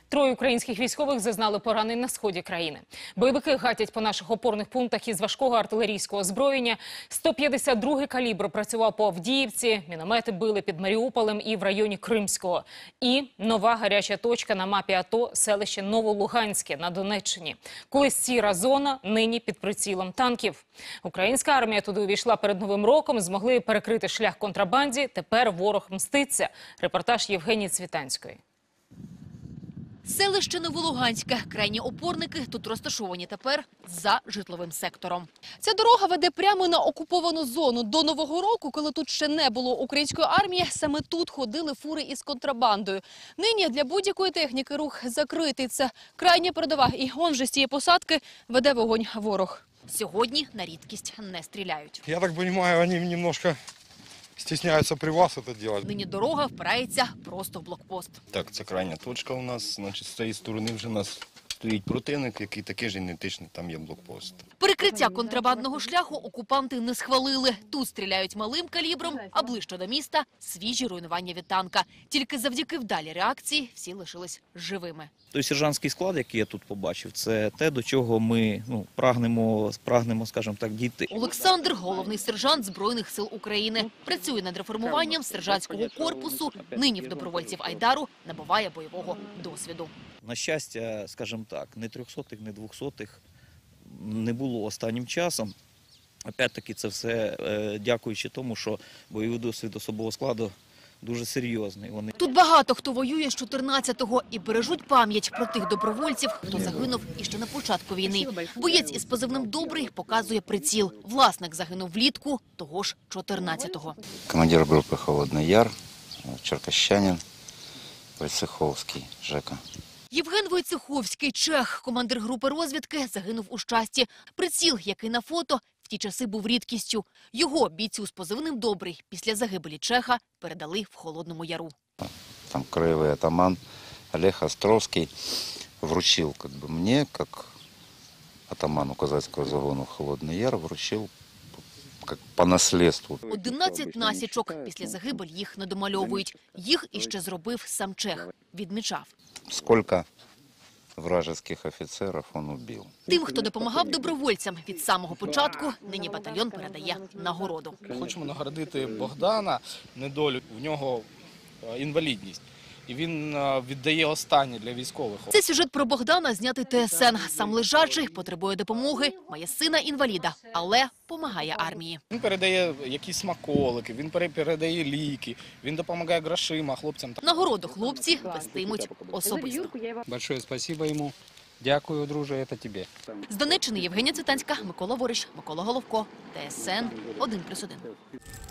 Троє українських військових зазнали поранень на сході країни. Бойовики гатять по наших опорних пунктах із важкого артилерійського озброєння. 152-й калібр працював по Авдіївці, міномети били під Маріуполем і в районі Кримського. І нова гаряча точка на мапі АТО – селище Новолуганське на Донеччині. Колись сіра зона, нині під прицілом танків. Українська армія туди увійшла перед Новим роком, змогли перекрити шлях контрабанді. Тепер ворог мститься. Репортаж Євгенії Цвітанської. Селище Новолуганське. Крайні опорники тут розташовані тепер за житловим сектором. Ця дорога веде прямо на окуповану зону. До Нового року, коли тут ще не було української армії, саме тут ходили фури із контрабандою. Нині для будь-якої техніки рух закритий. Це крайня передова. І он же з цієї посадки веде вогонь ворог. Сьогодні на рідкість не стріляють. Я так розумію, вони немножко стесняються при вас це робити. Нині дорога впирається просто в блокпост. Так, це крайня точка у нас. Значить, з цієї сторони вже у нас стоїть противник, який такий ж ідентичний, там є блокпост. Перекриття контрабандного шляху окупанти не схвалили. Тут стріляють малим калібром, а ближче до міста – свіжі руйнування від танка. Тільки завдяки вдалій реакції всі лишились живими. Той сержантський склад, який я тут побачив, це те, до чого ми прагнемо, скажімо так, дійти. Олександр – головний сержант Збройних сил України. Працює над реформуванням сержантського корпусу. Нині в добровольців Айдару набуває бойового досвіду. На щастя, скажімо так, не 300-х, не 200-х не було останнім часом. Опять-таки це все дякуючи тому, що бойовий досвід особового складу дуже серйозний. Тут багато хто воює з 14-го і бережуть пам'ять про тих добровольців, хто загинув іще на початку війни. Боєць із позивним «Добрий» показує приціл. Власник загинув влітку того ж 14-го. Командир групи «Холодний Яр», черкащанин, Войцеховський, Жека. Євген Войцеховський, чех, командир групи розвідки, загинув у Щасті. Приціл, який на фото, в ті часи був рідкістю. Його, бійцю з позивним «Добрий», після загибелі чеха передали в Холодному Яру. Там краєвий атаман Олег Островський вручив мені, як атаману козацького загону Холодний Яр, вручив по наслідству. 11 насічок. Після загибелі їх не домальовують. Їх іще зробив сам чех. Відмічав. Скільки вражеских офіцерів він убив. Тим, хто допомагав добровольцям від самого початку, нині батальйон передає нагороду. Хочемо нагородити Богдана недолю. В нього інвалідність. І він віддає останнє для військових. Це сюжет про Богдана, знятий ТСН. Сам лежачий, потребує допомоги, має сина-інваліда, але помагає армії. Він передає якісь смаколики, він передає ліки, він допомагає грошима хлопцям. Нагороду хлопці вестимуть особисто. Большое спасибо йому. Дякую, друже, це тобі. З Донеччини Євгенія Цвітанська, Микола Вориш, Микола Головко, ТСН 1+1.